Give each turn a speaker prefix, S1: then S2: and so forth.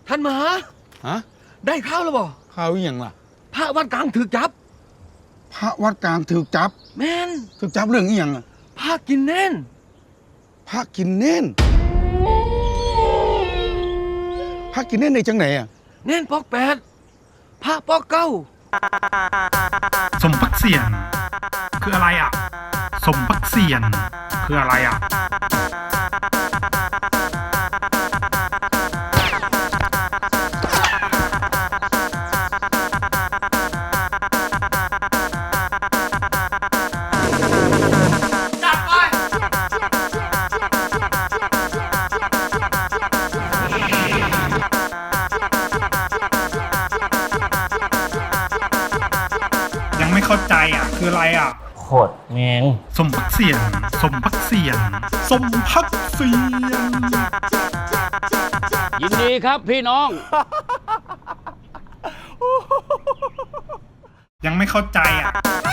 S1: ท่านมหา
S2: ฮะ
S1: ได้ข้าวแล้วบ่
S2: ข้าวอย่างล่ะ
S1: พระวัดกลางถูกจับ
S2: พระวัดกลางถูกจับ
S1: แม่น
S2: ถูกจับเรื่องอีหยังอ่ะ
S1: พระกินเน่น
S2: พระกินเน่นพระกินเน่นในจังไหนอ่ะ
S1: เน่นปอก8พระปอก9
S3: สมปักเสียนคืออะไรอ่ะสมปักเสียนคืออะไรอ่ะยังไม่เข้าใจอ่ะคืออะไรอ่ะ
S4: โคตรแมง
S3: สมปักเสียนสมปักเสียนสมปักเสียน
S4: ยินดีครับพี่น้อง
S3: ยังไม่เข้าใจอ่ะ